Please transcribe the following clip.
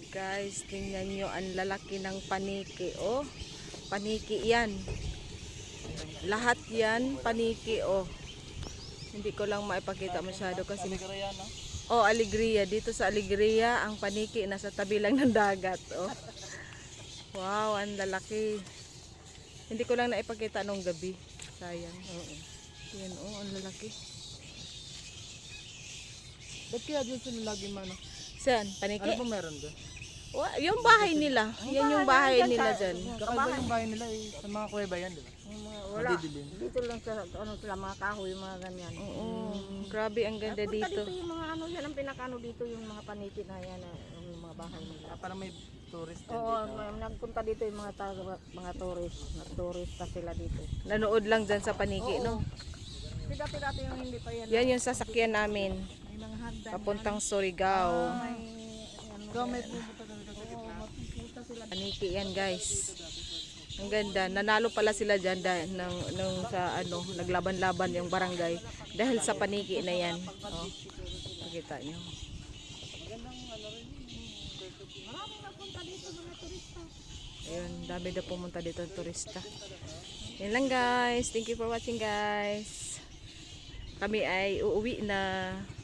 Guys, tingnan nyo ang lalaki ng paniki. Oh, paniki yan. Lahat yan, paniki. Oh, hindi ko lang maipakita masyado kasi... Oh, Alegria. Dito sa Alegria, ang paniki nasa tabi lang ng dagat. Oh. Wow, ang lalaki. Hindi ko lang naipakita nung gabi. Sayang. Oo. Yan, oh, ang lalaki. Ba't kaya dyan sila lagi mano? Saan? Paniki? Ano ba meron doon? Yung bahay nila. Yan yung bahay nila dyan. Kakaiba yung bahay nila eh. Sa mga kuweba yan, di ba? Wala. Madidilim. Dito lang sa ano sila mga kahoy, mga ganyan. Oo. Grabe, ang ganda Punta dito. dito yung mga ano yan, ang pinakano dito yung mga paniki na yan, yung mga bahay nila. Parang may tourist din Oo, dito. nagpunta dito yung mga tourist, turista sila dito. Nanood lang dyan sa paniki, no? Dati yung hindi pa yan. Yan yung sasakyan namin. May mga hagdan. Papuntang Surigao. May ano. Ikaw may pupunta doon sa Oo, mapupunta sila. Paniki yan, guys. Ang ganda. Nanalo pala sila dyan nung sa ano, naglaban-laban yung barangay. Dahil sa paniki na yan. Oh, makita nyo. Maraming nagpunta dito mga turista. Ayun, dami na pumunta dito ng turista. Yan lang, guys. Thank you for watching, guys. Kami ay uuwi na.